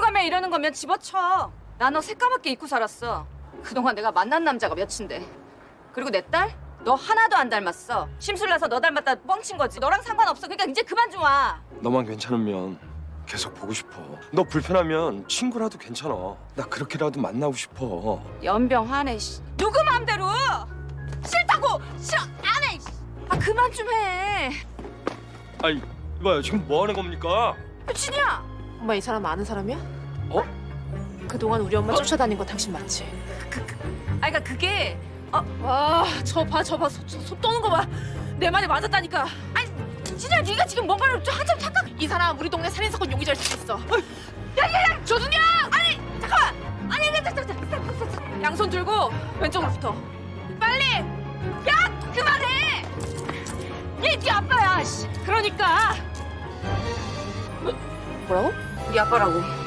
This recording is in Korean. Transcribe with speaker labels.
Speaker 1: 급하면 이러는 거면 집어쳐. 나 너 새까맣게 잊고 살았어. 그동안 내가 만난 남자가 몇인데. 그리고 내 딸? 너 하나도 안 닮았어. 심술나서 너 닮았다 뻥친 거지. 너랑 상관없어. 그러니까 이제 그만 좀 와.
Speaker 2: 너만 괜찮으면 계속 보고 싶어. 너 불편하면 친구라도 괜찮아. 나 그렇게라도 만나고 싶어.
Speaker 1: 연병하네. 씨. 누구 마음대로. 싫다고. 싫어. 안 해. 씨. 아 그만 좀 해.
Speaker 2: 아니 이봐요, 지금 뭐 하는 겁니까?
Speaker 1: 유진이야.
Speaker 3: 엄마 이 사람 아는 사람이야?
Speaker 2: 어?
Speaker 3: 그동안 우리 엄마 쫓아다닌 거 당신 맞지?
Speaker 1: 아 그러니까 그게
Speaker 3: 와, 저 봐, 소 떠는 거 봐. 내 말이 맞았다니까.
Speaker 1: 진짜 네가 지금 뭔가를 좀 한참 착각.
Speaker 3: 이 사람 우리 동네 살인사건 용의자일 수도 있어.
Speaker 1: 야야야 조준영. 아니 잠깐만. 아니 잠깐.
Speaker 3: 양손 들고 왼쪽으로 붙어.
Speaker 1: 빨리. 야 그만해. 얘 네 아빠야. 씨.
Speaker 3: 그러니까. 뭐라고?
Speaker 1: 네 아빠라고.